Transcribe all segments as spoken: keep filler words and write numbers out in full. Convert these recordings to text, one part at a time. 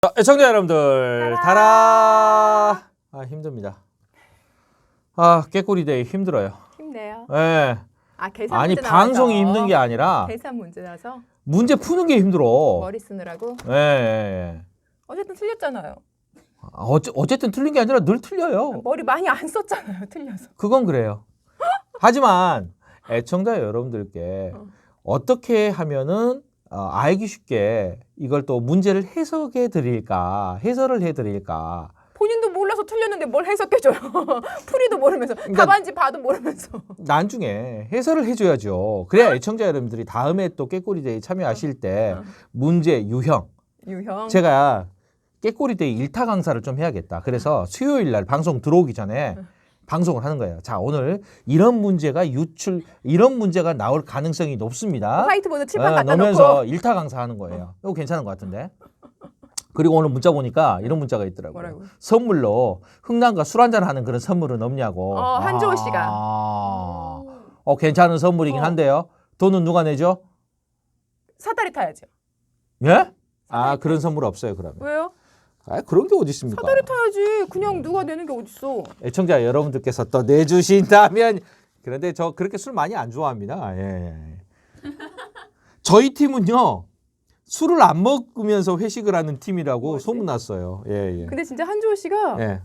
자, 애청자 여러분들, 달아. 아, 힘듭니다. 아, 깨꼬리데이 힘들어요. 힘내요. 예. 네. 아, 계산 아니, 문제 방송이 나와서. 힘든 게 아니라 계산 문제라서 문제 푸는 게 힘들어. 머리 쓰느라고. 예. 네. 어쨌든 틀렸잖아요. 어째, 어쨌든 틀린 게 아니라 늘 틀려요. 머리 많이 안 썼잖아요. 틀려서. 그건 그래요. 하지만 애청자 여러분들께 어. 어떻게 하면은 어, 알기 쉽게 이걸 또 문제를 해석해 드릴까, 해설을 해 드릴까. 본인도 몰라서 틀렸는데 뭘 해석해줘요. 풀이도 모르면서 그러니까 답안지 봐도 모르면서. 나중에 해설을 해줘야죠. 그래야 애청자 여러분들이 다음에 또 깨꼬리데이 참여하실 때 어. 문제 유형. 유형. 제가 깨꼬리데이 일타 강사를 좀 해야겠다. 그래서 수요일 날 방송 들어오기 전에 방송을 하는 거예요. 자, 오늘 이런 문제가 유출, 이런 문제가 나올 가능성이 높습니다. 화이트보드 칠판 어, 갖다 놓으면서 놓고. 일타 강사 하는 거예요. 이거 괜찮은 것 같은데. 그리고 오늘 문자 보니까 이런 문자가 있더라고요. 뭐라고? 선물로 흥남과 술 한잔 하는 그런 선물은 없냐고. 어, 한조호 씨가. 아, 어, 괜찮은 선물이긴 어. 한데요. 돈은 누가 내죠? 사다리 타야죠. 예? 아, 그런 선물 없어요, 그러면. 왜요? 아, 그런 게 어디 있습니까? 사다리 타야지. 그냥 누가 내는 게 어딨어. 애청자 여러분들께서 또 내주신다면. 그런데 저 그렇게 술 많이 안 좋아합니다. 예. 저희 팀은요, 술을 안 먹으면서 회식을 하는 팀이라고 뭐지? 소문났어요. 예, 예. 근데 진짜 한조호 씨가 예.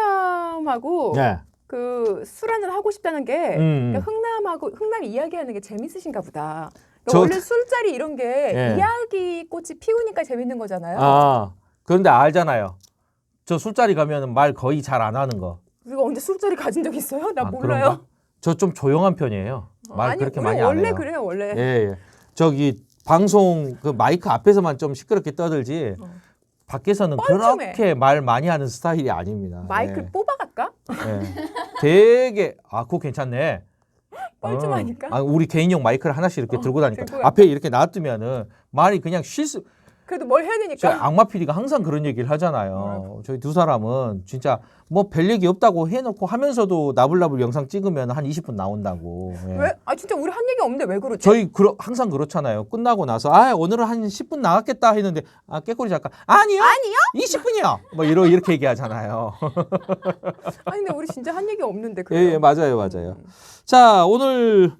흥남하고 예. 그 술 한잔 하고 싶다는 게 음. 그러니까 흥남하고 흥남 이야기하는 게 재밌으신가 보다. 그러니까 저- 원래 술자리 이런 게 예. 이야기 꽃이 피우니까 재밌는 거잖아요. 아, 그런데 알잖아요. 저 술자리 가면 말 거의 잘 안 하는 거. 우리가 언제 술자리 가진 적 있어요? 나 아, 몰라요. 저 좀 조용한 편이에요. 말 아니, 그렇게 우리 많이 안 원래 해요. 그래요, 원래. 예, 예. 저기 방송 그 마이크 앞에서만 좀 시끄럽게 떠들지 어. 밖에서는 뻘쭘해. 그렇게 말 많이 하는 스타일이 아닙니다. 마이크 예. 뽑아갈까? 예. 되게 아, 그거 괜찮네. 뻘쭘하니까. 어. 아, 우리 개인용 마이크를 하나씩 이렇게 어, 들고 다니까 들고 앞에 이렇게 놔두면은 말이 그냥 쉴수. 그래도 뭘 해야 저 되니까. 악마 피디가 항상 그런 얘기를 하잖아요. 뭐라고? 저희 두 사람은 진짜 뭐 별 얘기 없다고 해놓고 하면서도 나불나불 영상 찍으면 한 이십 분 나온다고. 예. 왜? 아 진짜 우리 한 얘기 없는데 왜 그러지? 저희 그러, 항상 그렇잖아요. 끝나고 나서 아 오늘은 한 십 분 나갔겠다 했는데 아 깨꼬리 작가 아니요 아니요? 이십 분이요 뭐 이러 이렇게 얘기하잖아요. 아니 근데 우리 진짜 한 얘기 없는데 예, 그래요. 예 맞아요 맞아요. 음. 자 오늘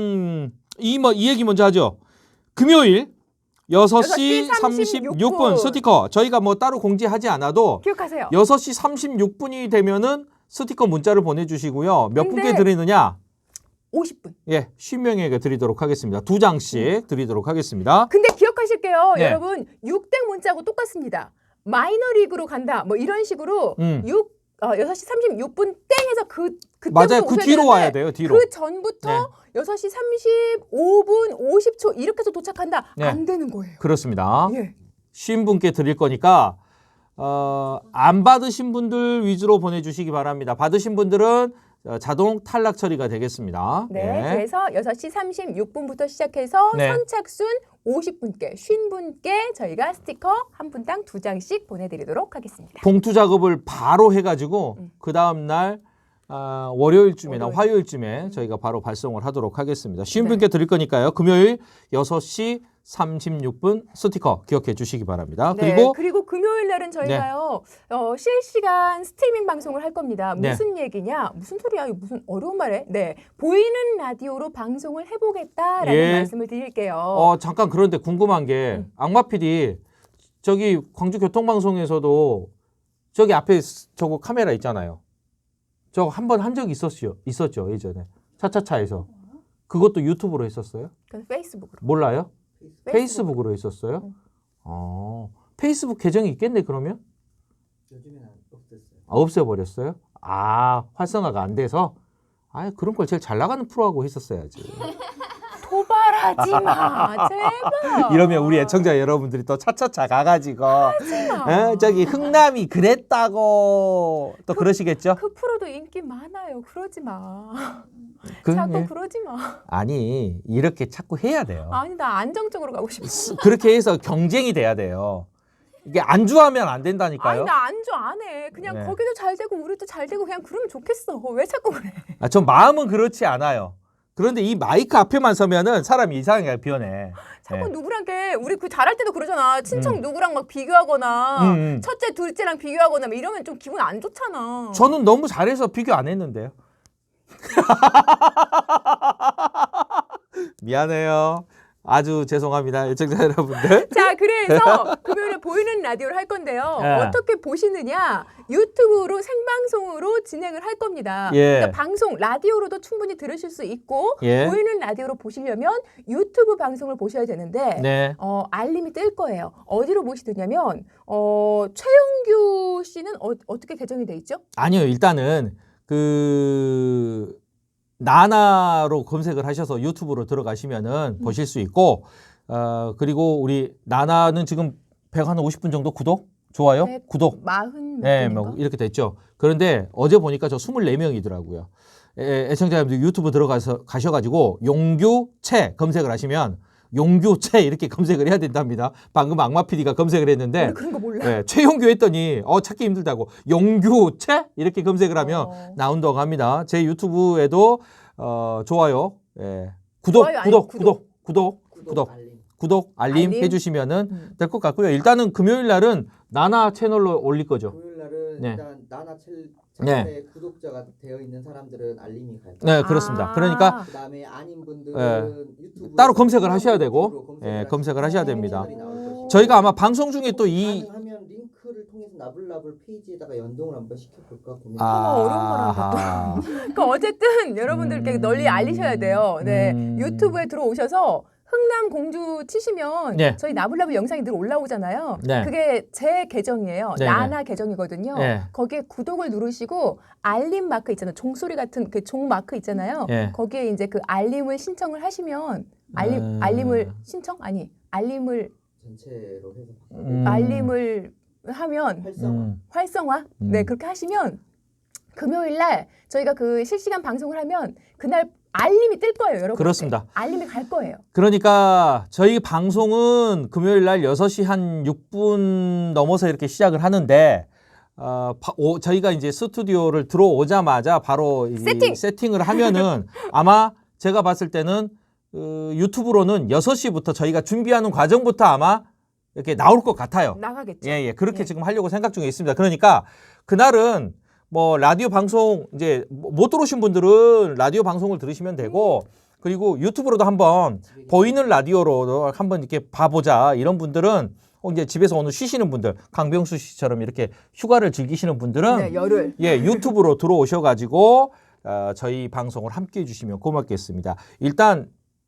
음이 뭐 이 얘기 먼저 하죠. 금요일 여섯 시 삼십육 분 스티커 저희가 뭐 따로 공지하지 않아도 기억하세요. 여섯 시 삼십육 분이 되면은 스티커 문자를 보내주시고요. 몇 근데- 분께 드리느냐? 오십 분. 예, 십 명에게 드리도록 하겠습니다. 두 장씩 드리도록 하겠습니다. 근데 기억하실게요. 네. 여러분 육땡 문자하고 똑같습니다. 마이너리그로 간다. 뭐 이런 식으로 음. 육 어, 여섯 시 삼십육 분 땡해서 그 그때부터 맞아요. 그 오셔야 뒤로 되는데 와야 돼요. 뒤로. 그 전부터 네. 여섯 시 삼십오 분 오십 초 이렇게 해서 도착한다. 네. 안 되는 거예요. 그렇습니다. 예. 쉰 분께 드릴 거니까 어, 안 받으신 분들 위주로 보내주시기 바랍니다. 받으신 분들은 어, 자동 탈락 처리가 되겠습니다. 네. 그래서 여섯 시 삼십육 분부터 시작해서 네. 선착순 오십 분께, 쉰 분께 저희가 스티커 한 분당 두 장씩 보내드리도록 하겠습니다. 봉투 작업을 바로 해가지고 음. 그 다음 날 아, 월요일쯤이나 월요일. 화요일쯤에 저희가 바로 발송을 하도록 하겠습니다. 쉰 네. 분께 드릴 거니까요. 금요일 여섯 시 삼십육 분 스티커 기억해 주시기 바랍니다. 네, 그리고 그리고 금요일 날은 저희가요 어, 실시간 스트리밍 방송을 할 겁니다. 네. 무슨 얘기냐? 무슨 소리야? 이거 무슨 어려운 말해? 네, 보이는 라디오로 방송을 해보겠다라는 예. 말씀을 드릴게요. 어, 잠깐 그런데 궁금한 게 음. 악마 피디 저기 광주 교통방송에서도 저기 앞에 저거 카메라 있잖아요. 저거 한 번 한 적이 있었죠. 있었죠 예전에 차차차에서 그것도 유튜브로 했었어요? 그건 페이스북으로. 몰라요? 페이스북. 페이스북으로 했었어요? 응. 어, 페이스북 계정이 있겠네 그러면? 요즘에는 없었어요. 아, 없애버렸어요? 아 활성화가 안 돼서? 아 그런 걸 제일 잘 나가는 프로하고 했었어야지. 도발하지 마, 제발. 이러면 우리 애청자 여러분들이 또 차차차 가가지고 어, 저기 흥남이 그랬다고 또 그러시겠죠? 그 프로도 인기 많아요. 그러지 마. 그, 자꾸 예. 그러지 마. 아니 이렇게 자꾸 해야 돼요. 아니 나 안정적으로 가고 싶어. 스- 그렇게 해서 경쟁이 돼야 돼요. 이게 안주하면 안 된다니까요. 아니 나 안주 안 해. 그냥 네. 거기도 잘 되고 우리도 잘 되고 그냥 그러면 좋겠어. 왜 자꾸 그래? 아, 전 마음은 그렇지 않아요. 그런데 이 마이크 앞에만 서면은 사람이 이상하게 변해. 자꾸 예. 누구랑 게 우리 그 잘할 때도 그러잖아. 친척 음. 누구랑 막 비교하거나 음, 음. 첫째, 둘째랑 비교하거나 막 이러면 좀 기분 안 좋잖아. 저는 너무 잘해서 비교 안 했는데요. 미안해요. 아주 죄송합니다. 애청자 여러분들. 자, 그래서 금요일에 보이는 라디오를 할 건데요. 예. 어떻게 보시느냐? 유튜브로 생방송으로 진행을 할 겁니다. 예. 그러니까 방송 라디오로도 충분히 들으실 수 있고 예. 보이는 라디오로 보시려면 유튜브 방송을 보셔야 되는데 네. 어, 알림이 뜰 거예요. 어디로 보시느냐면 어, 최용규 씨는 어, 어떻게 개정이 돼 있죠? 아니요. 일단은 그 나나로 검색을 하셔서 유튜브로 들어가시면은 음. 보실 수 있고 어 그리고 우리 나나는 지금 백오십 분 정도 구독? 좋아요? 백 구독. 마흔 몇 네, 분인가? 뭐 이렇게 됐죠. 그런데 어제 보니까 저 이십사 명이더라고요. 애, 애청자 여러분들 유튜브 들어가서 가셔가지고 용규채 검색을 하시면 용규채 이렇게 검색을 해야 된답니다. 방금 악마 피디가 검색을 했는데 우리 그런 거 몰라. 네, 최용규 했더니 어 찾기 힘들다고 용규채 이렇게 검색을 하면 어. 나온다고 합니다. 제 유튜브에도 어, 좋아요, 예. 구독, 좋아요, 아니, 구독, 구독. 구독, 구독, 구독, 구독, 알림. 구독, 알림, 알림. 해주시면은 음. 될 것 같고요. 일단은 금요일 날은 나나 채널로 올릴 거죠. 금요일 날은 네. 일단 나나 챌- 네. 채널에 구독자가 되어 있는 사람들은 알림이 갈 거예요. 네, 그렇습니다. 아. 그러니까 그다음에 아닌 분들은 예. 유튜브 따로 검색을 하셔야 되고, 예, 검색을 하셔야 됩니다. 저희가 아마 방송 중에 또 이 가능하면 링크를 통해서 나불나불 페이지에다가 연동을 한번 시켜볼까 고민. 아, 어려운 말 한다, 또. 아, 그러니까 어쨌든 여러분들께 음. 널리 알리셔야 돼요. 네, 음. 유튜브에 들어오셔서 흥남 공주 치시면 네. 저희 나불나불 영상이 늘 올라오잖아요. 네. 그게 제 계정이에요. 네, 나나 계정이거든요. 네. 거기에 구독을 누르시고 알림 마크 있잖아요. 종소리 같은 그 종 마크 있잖아요. 네. 거기에 이제 그 알림을 신청을 하시면 알림 음. 알림을 신청 아니 알림을 전체로 해서 음. 알림을 하면 활성화. 음. 활성화? 음. 네, 그렇게 하시면 금요일 날 저희가 그 실시간 방송을 하면 그날 알림이 뜰 거예요, 여러분. 그렇습니다. 알림이 갈 거예요. 그러니까 저희 방송은 금요일 날 여섯 시 한 육 분 넘어서 이렇게 시작을 하는데 어, 바, 오, 저희가 이제 스튜디오를 들어오자마자 바로 이 세팅! 세팅을 하면은 아마 제가 봤을 때는 어, 유튜브로는 여섯 시부터 저희가 준비하는 과정부터 아마 이렇게 나올 것 같아요. 나가겠죠. 예, 예. 그렇게 예. 지금 하려고 생각 중에 있습니다. 그러니까 그날은 뭐 라디오 방송 이제 못 들어오신 분들은 라디오 방송을 들으시면 되고 그리고 유튜브로도 한번 보이는 라디오로도 한번 이렇게 봐보자 이런 분들은 어, 이제 집에서 오늘 쉬시는 분들 강병수 씨처럼 이렇게 휴가를 즐기시는 분들은 네, 열흘. 예 유튜브로 들어오셔가지고 어, 저희 방송을 함께 해주시면 고맙겠습니다. 일단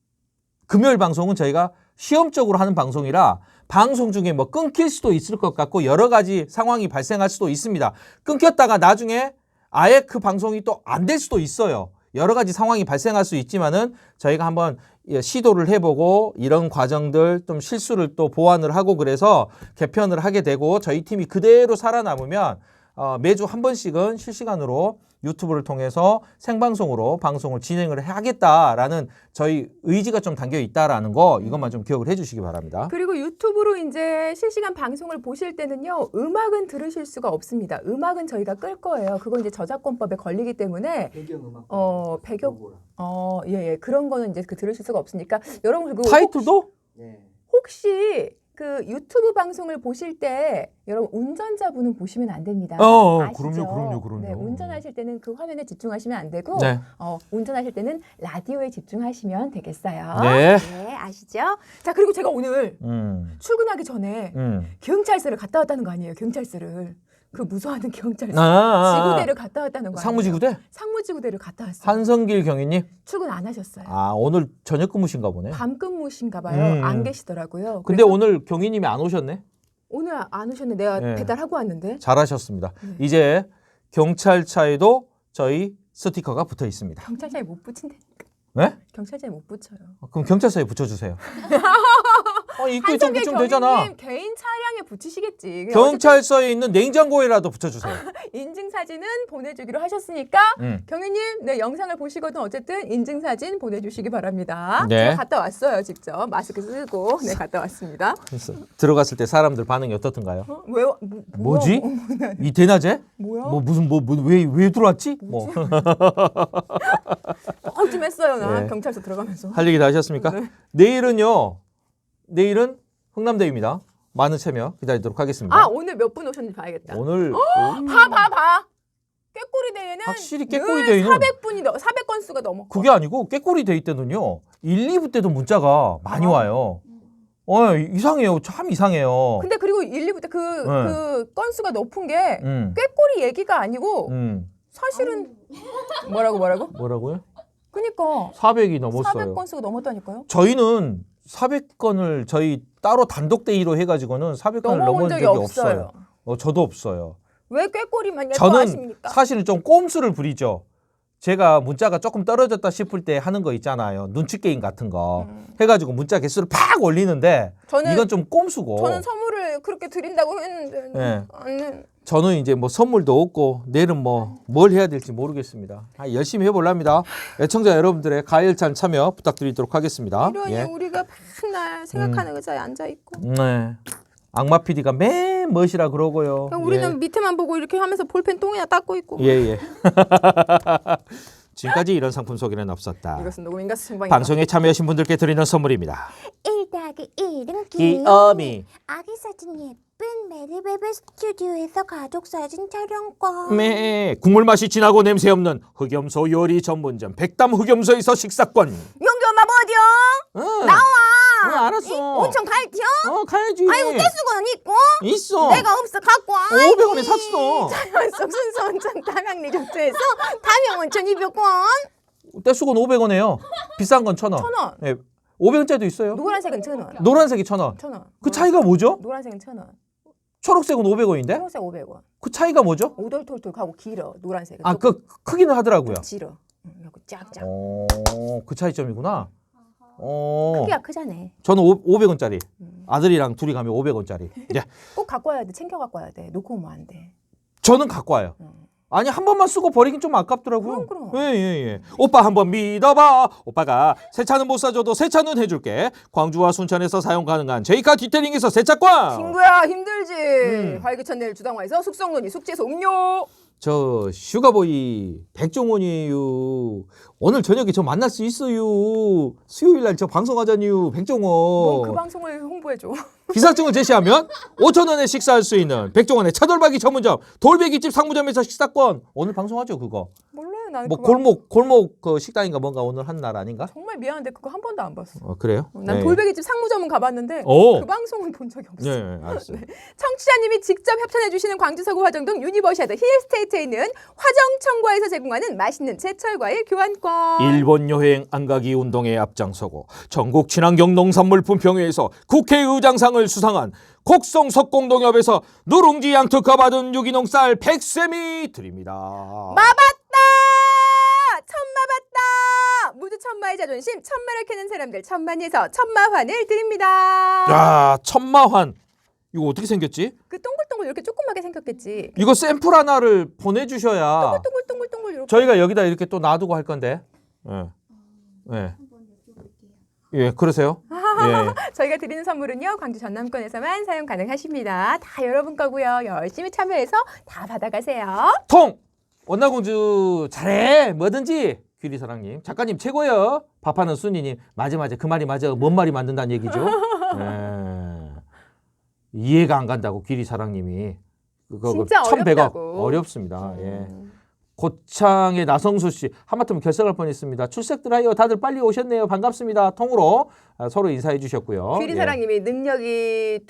금요일 방송은 저희가 시험적으로 하는 방송이라 방송 중에 뭐 끊길 수도 있을 것 같고 여러 가지 상황이 발생할 수도 있습니다. 끊겼다가 나중에 아예 그 방송이 또 안 될 수도 있어요. 여러 가지 상황이 발생할 수 있지만은 저희가 한번 시도를 해보고 이런 과정들 좀 실수를 또 보완을 하고 그래서 개편을 하게 되고 저희 팀이 그대로 살아남으면 어, 매주 한 번씩은 실시간으로 유튜브를 통해서 생방송으로 방송을 진행을 하겠다라는 저희 의지가 좀 담겨 있다라는 거 이것만 좀 기억을 해주시기 바랍니다. 그리고 유튜브로 이제 실시간 방송을 보실 때는요, 음악은 들으실 수가 없습니다. 음악은 저희가 끌 거예요. 그건 이제 저작권법에 걸리기 때문에 배경음악. 어, 배경 로고랑. 어, 예, 예. 그런 거는 이제 그 들으실 수가 없으니까 여러분 그 타이틀도? 네. 혹시 그 유튜브 방송을 보실 때 여러분 운전자분은 보시면 안 됩니다. 어, 아시죠? 그럼요, 그럼요, 그럼요. 네, 운전하실 때는 그 화면에 집중하시면 안 되고 네. 어, 운전하실 때는 라디오에 집중하시면 되겠어요. 네. 네, 아시죠? 자, 그리고 제가 오늘 음, 출근하기 전에 음. 경찰서를 갔다 왔다는 거 아니에요? 경찰서를. 그 무서워하는 경찰서. 아, 아, 아. 지구대를 갔다 왔다는 거 아니에요? 상무지구대? 상무지구대를 갔다 왔어요. 한성길 경위님? 출근 안 하셨어요. 아, 오늘 저녁 근무신가 보네. 밤 근무신가 봐요. 음. 안 계시더라고요. 근데 그래서 오늘 경위님이 안 오셨네? 오늘 안 오셨는데 내가 네. 배달하고 왔는데. 잘하셨습니다. 네. 이제 경찰차에도 저희 스티커가 붙어 있습니다. 경찰차에 못 붙인대. 네? 경찰차에 못 붙여요. 그럼 경찰서에 붙여주세요. 아, 입구에 좀 한성길 붙이면 되잖아. 경위님 개인 차량에 붙이시겠지. 경찰서에 있는 냉장고에라도 붙여주세요. 인증 사진은 보내주기로 하셨으니까 음. 경위님, 네 영상을 보시거든 어쨌든 인증 사진 보내주시기 바랍니다. 네. 제가 갔다 왔어요 직접 마스크 쓰고 네 갔다 왔습니다. 그래서 들어갔을 때 사람들 반응이 어떻던가요? 어? 왜 와- 뭐, 뭐지? 뭐야? 이 대낮에? 뭐야? 뭐 무슨 뭐 왜 왜 들어왔지? 뭐 어, 좀 했어요. 나 네. 경찰서 들어가면서. 할 얘기 다 하셨습니까? 네. 내일은요. 내일은 흥남대입니다. 많은 참여 기다리도록 하겠습니다. 아 오늘 몇 분 오셨는지 봐야겠다. 오늘 봐 봐 봐. 꾀꼬리 대회는 확실히 깨꼬리 늘 데이는 사백 분이 넘 사백 건수가 넘어. 그게 아니고 깨꼬리 데이 때는요. 일, 이 부 때도 문자가 많이 아. 와요. 어, 이상해요. 참 이상해요. 근데 그리고 일, 이 부 때 그 네. 그 건수가 높은 게 음. 꾀꼬리 얘기가 아니고 음. 사실은 뭐라고 뭐라고? 뭐라고요? 그니까 사백이 넘었어요. 사백 건수가 넘었다니까요. 저희는 사백 건을 저희 따로 단독 데이로 해가지고는 사백 건을 넘어본 넘은 적이 적이 없어요. 없어요. 어, 저도 없어요. 왜 꾀꼬리만 저는 예뻐하십니까? 사실은 좀 꼼수를 부리죠. 제가 문자가 조금 떨어졌다 싶을 때 하는 거 있잖아요. 눈치 게임 같은 거 음. 해가지고 문자 개수를 팍 올리는데 저는 이건 좀 꼼수고. 저는 선물을 그렇게 드린다고 했는데 네. 아니, 저는 이제 뭐 선물도 없고 내일은 뭐 뭘 해야 될지 모르겠습니다. 아, 열심히 해볼랍니다. 애청자 여러분들의 가열찬 참여 부탁드리도록 하겠습니다. 이러니 예. 우리가 맨날 생각하는 의자에 앉아 있고 네. 악마 피디가 맨 멋이라 그러고요. 그냥 우리는 밑에만 보고 이렇게 하면서 볼펜 똥이나 닦고 있고 예, 예. 예. 지금까지 이런 상품 소개는 없었다. 이것은 녹음인가 생방인가? 방송에 참여하신 분들께 드리는 선물입니다. 일 더하기 일은 귀요미. 귀어미. 아기 사진 예쁜 메리베베 스튜디오에서 가족 사진 촬영권. 매 국물 맛이 진하고 냄새 없는 흑염소 요리 전문점 백담 흑염소에서 식사권. 용기 엄마 뭐디요? 응. 나와. 응, 알았어. 온천 갈티요? 어, 가야지. 아이고 깨수건 있고 있어. 내가 없어 갖고 와. 오백 원에 샀어. 자연속 순수 온천 담양 리조트에서 담양 온천 이백 원. 떼수건 오백 원에요. 비싼 건 천 원. 천 원. 네. 오백 원짜리도 있어요. 노란색은 천 원. 노란색이 천 원. 천 원. 그 차이가 뭐죠? 노란색은 천 원. 초록색은 오백 원인데? 초록색 오백 원. 그 차이가 뭐죠? 오돌톨톨 하고 길어. 노란색은. 아, 그 크기는 하더라고요. 길어. 응, 이거 쫙쫙. 어, 그 차이점이구나. 어. 크기가 크잖아. 저는 오, 오백 원짜리. 음. 아들이랑 둘이 가면 오백 원짜리. 예. 꼭 갖고 와야 돼. 챙겨 갖고 와야 돼. 놓고 오면 안 돼. 저는 갖고 와요. 응. 아니 한 번만 쓰고 버리긴 좀 아깝더라고요. 그럼, 그럼. 예, 예, 예. 오빠 한번 믿어봐. 오빠가 새 차는 못 사줘도 새 차는 해줄게. 광주와 순천에서 사용 가능한 제이카 디테일링에서 세차권. 친구야 힘들지. 음. 활기찬 내일 주당화에서 숙성론이 숙제에서 음료. 저 슈가보이 백종원이에요. 오늘 저녁에 저 만날 수 있어요. 수요일 날 저 방송하자니요. 백종원. 뭔그 방송을 홍보해 줘. 기사증을 제시하면 오천 원에 식사할 수 있는 백종원의 차돌박이 전문점 돌베기집 상무점에서 식사권. 오늘 방송하죠 그거. 몰라요. 나는 뭐 그거 골목 골목 그 식당인가 뭔가 오늘 한 날 아닌가? 정말 미안한데 그거 한 번도 안 봤어. 어, 그래요? 난 네. 돌베기집 상무점은 가봤는데 오. 그 방송은 본 적이 없어. 네, 알았어요. 청취자님이 직접 협찬해주시는 광주 서구 화정동 유니버시아드 힐스테이트에 있는 화정청과에서 제공하는 맛있는 제철 과일 교환권. 일본 여행 안가기 운동에 앞장서고 전국 친환경 농산물 품평회에서 국회의장상을 수상한 곡성 석공동협에서 누룽지 양특허 받은 유기농 쌀 백 셈이 드립니다. 마봤다! 천마봤다! 모두 천마의 자존심, 천마를 캐는 사람들 천만에서 천마환을 드립니다. 야, 천마환. 이거 어떻게 생겼지? 그 동글동글 이렇게 조그맣게 생겼겠지. 이거 샘플 하나를 보내주셔야 동글동글동글 이렇게. 저희가 여기다 이렇게 또 놔두고 할 건데. 예. 예. 예, 그러세요? 예. 저희가 드리는 선물은요 광주 전남권에서만 사용 가능하십니다. 다 여러분 거고요. 열심히 참여해서 다 받아가세요. 통! 원나공주 잘해 뭐든지 귀리사랑님 작가님 최고요. 밥하는 순이님 맞아 맞아 그 말이 맞아 뭔 말이 만든다는 얘기죠. 예. 이해가 안 간다고 귀리사랑님이 그거 진짜 천백 억 어렵다고. 어렵습니다. 예. 음. 고창의 나성수 씨 하마터면 결석할 뻔했습니다. 출석들 하여 다들 빨리 오셨네요. 반갑습니다. 통으로 아, 서로 인사해 주셨고요. 귀리사랑님이 능력이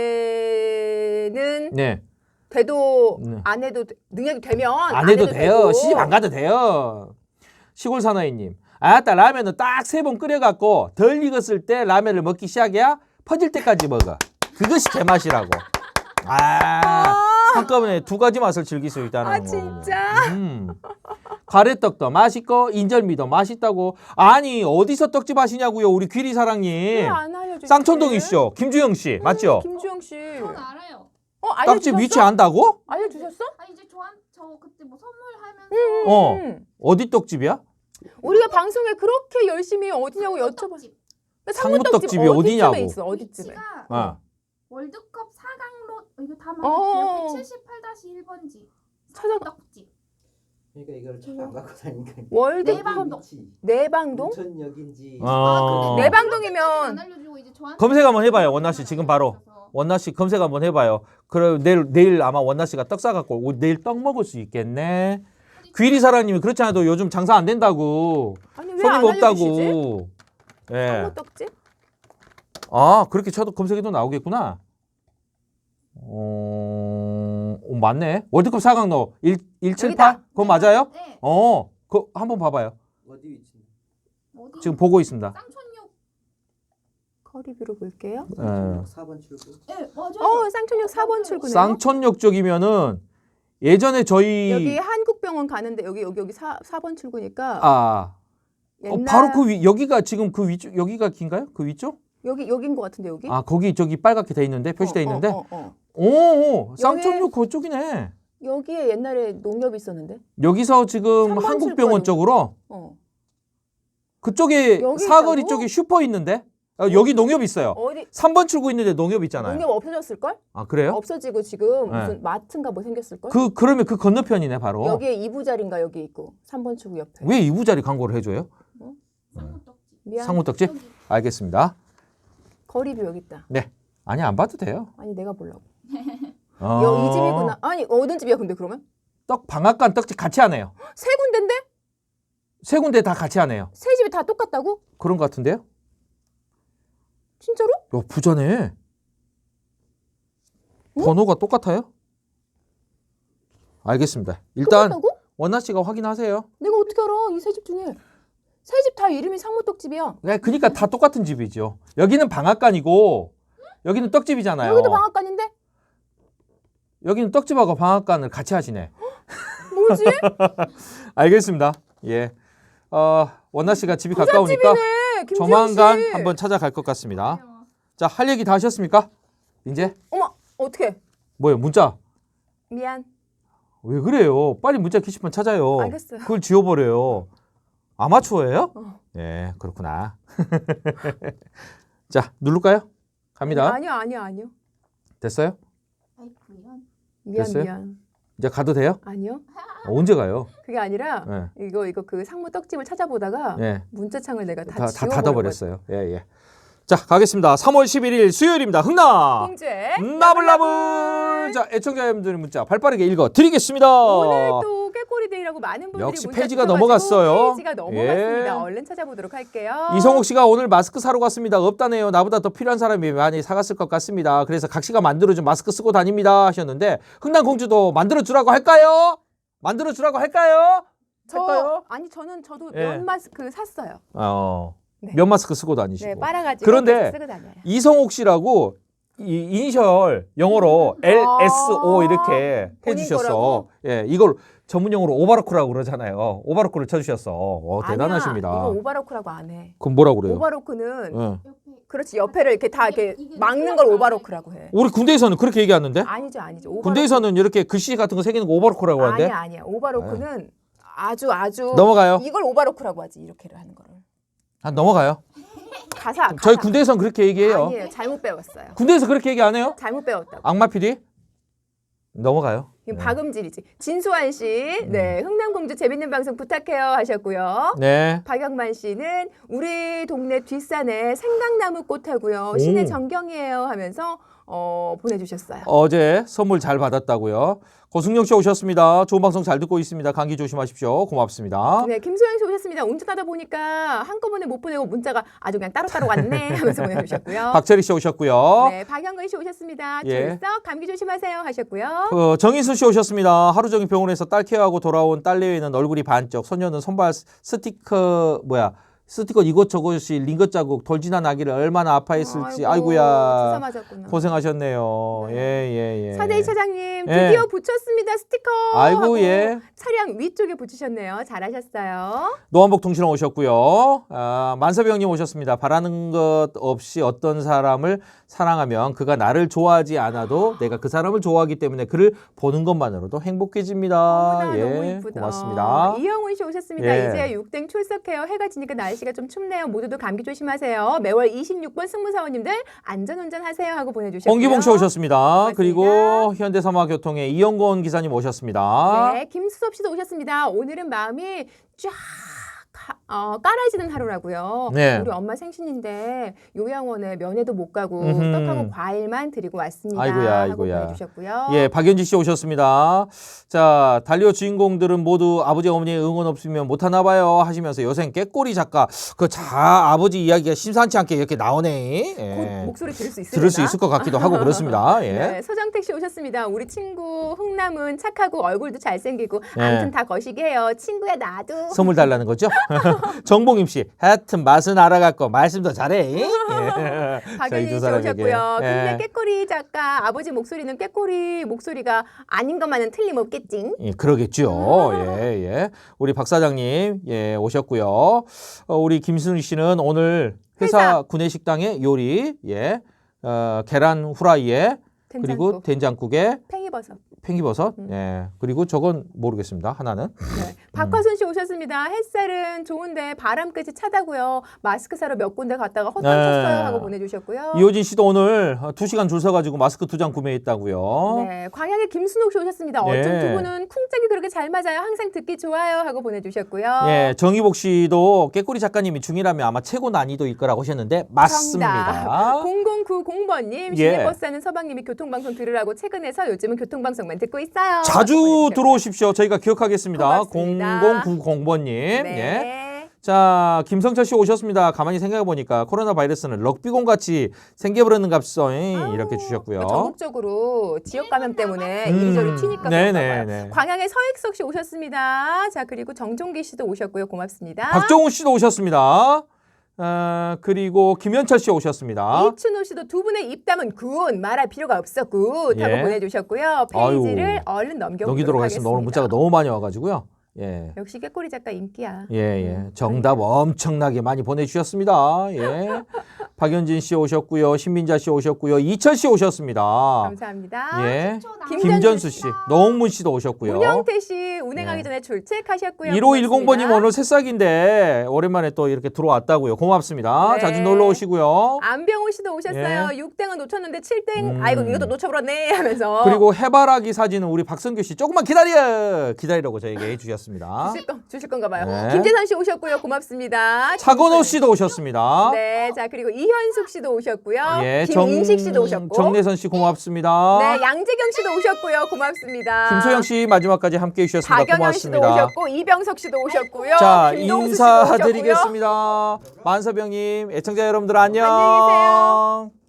되는 예. 네. 돼도 네. 안 해도 돼- 능력이 되면 안 해도 돼요. 되고. 시집 안 가도 돼요. 시골 사나이님. 아따 라면은 딱 세 번 끓여갖고 덜 익었을 때 라면을 먹기 시작이야. 퍼질 때까지 먹어. 그것이 제맛이라고. 아, 한꺼번에 두 가지 맛을 즐길 수 있다는 아 거. 진짜. 음. 가래떡도 맛있고 인절미도 맛있다고. 아니 어디서 떡집 하시냐고요 우리 귀리사랑님. 왜안 알려주지? 쌍천동이시죠. 김주영 씨 맞죠? 김주영 씨. 전 알아요. 어 떡집 알려주셨어? 위치 안다고? 알려주셨어? 아 이제 저한 저 그때 뭐 선물하면서 어. 음. 어디 떡집이야? 우리가 방송에 그렇게 열심히 어디냐고 여쭤봐. 상무떡집이 어디쯤에 어디냐고. 있어 어디쯤에? 위치가 아. 월드컵 사 강로 이거 다 어. 말할게요. 백칠십팔 일 번지 찾아봐. 떡집. 그러니까 이걸 차 안 갖고 다니니까. 월드컵 내방동. 내방동? 인천역인지. 어. 내방동이면 안 알려주고 이제 저한테 검색 한번 해봐요, 원나 씨 지금 바로. 원나 씨 검색 한번 해봐요. 그래 내일 내일 아마 원나 씨가 떡 사갖고 오, 내일 떡 먹을 수 있겠네. 귀리 사장님이 그렇지 않아도 요즘 장사 안 된다고. 아니 왜 손님 안 알려주시지? 없다고. 예. 상무떡집? 아 그렇게 쳐도 검색해도 나오겠구나. 어, 어 맞네. 월드컵 사 강로 일 일칠팔 여기다. 그거 맞아요? 네. 어, 그 한번 봐봐요. 어디 위치? 어디? 지금 보고 있습니다. 쌍촌역. 커리뷰로 볼게요. 예. 사 번 출구. 네 맞아요. 어, 쌍촌역 사 번 출구네요. 쌍촌역 쪽이면은 예전에 저희 여기 한국병원 가는데 여기 여기 여기 사, 사 번 출구니까 아 어, 옛날 바로 그 위, 여기가 지금 그 위쪽 여기가 긴가요? 그 위쪽? 여기 여긴 것 같은데 여기? 아 거기 저기 빨갛게 돼 있는데 표시돼 어, 있는데 어, 어, 어. 오, 오 쌍촌역 그쪽이네. 여기에 옛날에 농협이 있었는데. 여기서 지금 삼 번 한국병원 출구 쪽으로 어. 그쪽에 여기 사거리 있다고? 쪽에 슈퍼 있는데 아, 여기 농협 있어요. 어디 삼 번 출구 있는데 농협 있잖아요. 농협 없어졌을 걸? 아 그래요? 없어지고 지금 네. 무슨 마트인가 뭐 생겼을 걸? 그 그러면 그 건너편이네 바로. 여기에 이부자리인가 여기 있고 삼 번 출구 옆에. 왜 이부자리 광고를 해줘요? 쌍촌떡집. 미안. 상무떡집? 여기. 알겠습니다. 거리뷰 여기 있다. 네. 아니 안 봐도 돼요. 아니 내가 보려고. 어... 여, 이 집이구나. 아니 어느 집이야 근데 그러면? 떡 방앗간 떡집 같이 하네요. 세 군데인데? 세 군데 다 같이 하네요. 세 집이 다 똑같다고? 그런 것 같은데요? 진짜로? 야 부자네. 번호가 똑같아요? 알겠습니다. 일단 똑같다고? 원나 씨가 확인하세요. 내가 어떻게 알아? 이 세 집 중에 세 집 다 이름이 상무떡집이야. 네, 그러니까 다 똑같은 집이죠. 여기는 방앗간이고 여기는 떡집이잖아요. 여기도 방앗간인데? 여기는 떡집하고 방앗간을 같이 하시네. 뭐지? 알겠습니다. 예. 어, 원나 씨가 집이 가까우니까 부잣집이네. 김지영 조만간 씨. 한번 찾아갈 것 같습니다. 자, 할 얘기 다 하셨습니까? 이제 어머 어떻게? 뭐예요? 문자. 미안. 왜 그래요? 빨리 문자 게시판 찾아요. 알겠어요. 그걸 지워버려요. 아마추어예요? 어. 예, 그렇구나. 자, 누를까요? 갑니다. 아니요 아니요 아니요. 됐어요? 아이고 이런. 미안 됐어요? 미안. 이제 가도 돼요? 아니요. 어, 언제 가요? 그게 아니라 예, 이거 이거 그 상무 떡집을 찾아보다가 예. 문자창을 내가 다, 다, 다 지워버려가지고. 닫아버렸어요. 예, 예. 자, 가겠습니다. 삼월 십일일 수요일입니다. 흥나! 홍주의 나불나불! 자, 애청자 여러분들의 문자 발빠르게 읽어 드리겠습니다. 오늘 또 깨꼬리데이라고 많은 분들이 역시 문자 페이지가 주셔가지고 넘어갔어요. 페이지가 넘어갔습니다. 예. 얼른 찾아보도록 할게요. 이성옥 씨가 오늘 마스크 사러 갔습니다. 없다네요. 나보다 더 필요한 사람이 많이 사갔을 것 같습니다. 그래서 각 씨가 만들어준 마스크 쓰고 다닙니다 하셨는데 흥남공주도 만들어주라고 할까요? 만들어주라고 할까요? 저 할까요? 아니 저는 저도 예. 면 마스크 샀어요. 어, 네. 면 마스크 쓰고 다니시고. 네, 빨아가지고 그런데 쓰고 다녀요. 이성옥 씨라고 이 이니셜 영어로 엘 에스 오 이렇게 아, 본인 해주셨어. 거라고? 예, 이걸 전문 용어로 오바로크라고 그러잖아요. 오바로크를 쳐주셨어. 어, 대단하십니다. 아니야, 이거 오바로크라고 안 해. 그럼 뭐라고 그래요? 오바로크는 예. 옆에 그렇지 옆에를 이렇게 다 이렇게 이게 막는 걸 이게 오바로크라고 해. 우리 군대에서는 그렇게 얘기하는데? 아니죠 아니죠. 오바로크. 군대에서는 이렇게 글씨 같은 거 새기는 거 오바로크라고 하는데? 아니야 아니야. 오바로크는 아주 아주 넘어가요. 이걸 오바로크라고 하지 이렇게를 하는 거를. 아, 넘어가요. 가사. 가사. 저희 군대에서는 그렇게 얘기해요. 아니에요. 잘못 배웠어요. 군대에서 그렇게 얘기 안 해요? 잘못 배웠다고. 악마 피디? 넘어가요. 이건 네. 박음질이지. 진수환 씨, 네 흥남공주 재밌는 방송 부탁해요 하셨고요. 네. 박영만 씨는 우리 동네 뒷산에 생강나무 꽃하고요. 시내 전경이에요 하면서 어, 보내주셨어요. 어제 선물 잘 받았다고요. 고승용 씨 오셨습니다. 좋은 방송 잘 듣고 있습니다. 감기 조심하십시오. 고맙습니다. 네, 김소영 씨 오셨습니다. 운전하다 보니까 한꺼번에 못 보내고 문자가 아주 그냥 따로따로 왔네 하면서 보내주셨고요. 박철희 씨 오셨고요. 네, 박영근 씨 오셨습니다. 예. 출석 감기 조심하세요 하셨고요. 어, 정인수 씨 오셨습니다. 하루 종일 병원에서 딸 케어하고 돌아온 딸내외는 얼굴이 반쪽, 소녀는 손발 스티커 뭐야 스티커 이것저것이 링거 자국 돌진한 아기를 얼마나 아파했을지 아이고, 아이고야 주사 맞았구나. 고생하셨네요. 네. 예예 예. 사대이 차장님 예. 드디어 붙였습니다 스티커. 아이고 하고 예. 차량 위쪽에 붙이셨네요. 잘하셨어요. 노한복 통신원 오셨고요. 아, 만서병님 오셨습니다. 바라는 것 없이 어떤 사람을 사랑하면 그가 나를 좋아하지 않아도 내가 그 사람을 좋아하기 때문에 그를 보는 것만으로도 행복해집니다. 어머나 예, 너무 이쁘다. 고맙습니다. 이영훈 씨 오셨습니다. 예. 이제 육땡 출석해요. 해가 지니까 날씨가 좀 춥네요. 모두도 감기 조심하세요. 매월 이십육 번 승무사원님들 안전운전하세요 하고 보내주셨고요. 홍기봉 씨 오셨습니다. 고맙습니다. 그리고 현대사마교통의 이영건 기사님 오셨습니다. 네, 김수섭 씨도 오셨습니다. 오늘은 마음이 쫙 가- 어, 깔아지는 하루라고요. 네. 우리 엄마 생신인데 요양원에 면회도 못 가고 음흠. 떡하고 과일만 드리고 왔습니다. 아이고야, 하고 아이고야. 보내주셨고요. 예, 박연지 씨 오셨습니다. 자, 달리오 주인공들은 모두 아버지 어머니의 응원 없으면 못하나 봐요 하시면서 요새 깨꼬리 작가 그 자 아버지 이야기가 심상치 않게 이렇게 나오네. 예. 곧 목소리 들을 수 있으려나? 들을 수 있을 것 같기도 하고 그렇습니다. 예. 네, 서정택 씨 오셨습니다. 우리 친구 흥남은 착하고 얼굴도 잘생기고 네. 아무튼 다 거시기해요. 친구야 나도. 선물 달라는 거죠? 정봉임 씨, 하여튼 맛은 알아갖고 말씀도 잘해. 예. 저희 박연희 두 씨 사람에게. 오셨고요. 근데 예. 깨꼬리 작가 아버지 목소리는 깨꼬리 목소리가 아닌 것만은 틀림없겠지. 예, 그러겠죠. 예, 예. 우리 박 사장님, 예, 오셨고요. 어, 우리 김순희 씨는 오늘 회사, 회사. 구내식당의 요리, 예, 어, 계란 후라이에 그리고 된장국, 된장국에 팽이버섯. 팽이버섯, 음. 예, 그리고 저건 모르겠습니다. 하나는. 네. 박화순 씨 오셨습니다. 햇살은 좋은데 바람까지 차다고요. 마스크 사러 몇 군데 갔다가 헛돈 네. 쳤어요 하고 보내주셨고요. 이호진 씨도 오늘 두 시간 줄 서가지고 마스크 두 장 구매했다고요. 네, 광양의 김순옥 씨 오셨습니다. 어쩜 예. 두 분은 쿵짝이 그렇게 잘 맞아요. 항상 듣기 좋아요 하고 보내주셨고요. 예, 정희복 씨도 깨꼬리 작가님이 중이라면 아마 최고 난이도일 거라고 하셨는데 맞습니다. 공공구공 번님 예. 시내버스 하는 서방님이 교통방송 들으라고 최근에서 요즘은 교통방송만 듣고 있어요. 자주 하고 보내주셨고요. 들어오십시오. 저희가 기억하겠습니다. 고맙습니다. 공공구공 번님. 예. 네. 자, 김성철 씨 오셨습니다. 가만히 생각해 보니까 코로나 바이러스는 럭비공 같이 생겨버리는 값성 이렇게 주셨고요. 뭐 전국적으로 지역 감염 때문에 음, 이리저리 튀니까 네네, 그런가 봐요. 네. 광양의 서익석 씨 오셨습니다. 자 그리고 정종기 씨도 오셨고요. 고맙습니다. 박정우 씨도 오셨습니다. 어, 그리고 김현철 씨 오셨습니다. 이춘호 씨도 두 분의 입담은 굿 말할 필요가 없어 굿 하고 예. 보내주셨고요. 페이지를 아유, 얼른 넘겨보도록 넘기도록 하겠습니다. 하겠습니다. 오늘 문자가 너무 많이 와가지고요. 예. 역시 깨꼬리 작가 인기야. 예, 예. 정답 엄청나게 많이 보내주셨습니다. 예. 박연진 씨 오셨고요. 신민자 씨 오셨고요. 이철 씨 오셨습니다. 감사합니다. 예. 김전수 김전수 씨, 노홍문 씨도 오셨고요. 문영태 씨 운행하기 예. 전에 출첵하셨고요. 일오일공 번님 고맙습니다. 오늘 새싹인데 오랜만에 또 이렇게 들어왔다고요. 고맙습니다. 네. 자주 놀러 오시고요. 안병호 씨도 오셨어요. 육 등은 놓쳤는데 칠 등 음. 아이고 이것도 놓쳐버렸네 하면서 그리고 해바라기 사진은 우리 박성규 씨 조금만 기다려 기다리라고 저에게 해주셨습니다. 주실, 건, 주실 건가 봐요. 네. 김재선 씨 오셨고요. 고맙습니다. 차건호 씨도 오셨습니다. 네, 자 그리고 이현숙 씨도 오셨고요. 예, 김인식 씨도 오셨고. 정내선 씨 고맙습니다. 네, 양재경 씨도 오셨고요. 고맙습니다. 김소영 씨 마지막까지 함께해 주셨습니다. 박영현 씨도 고맙습니다. 오셨고 이병석 씨도 오셨고요. 자, 김동수 씨도 오셨고요. 인사드리겠습니다. 만서병님, 애청자 여러분들 안녕. 안녕히 계세요.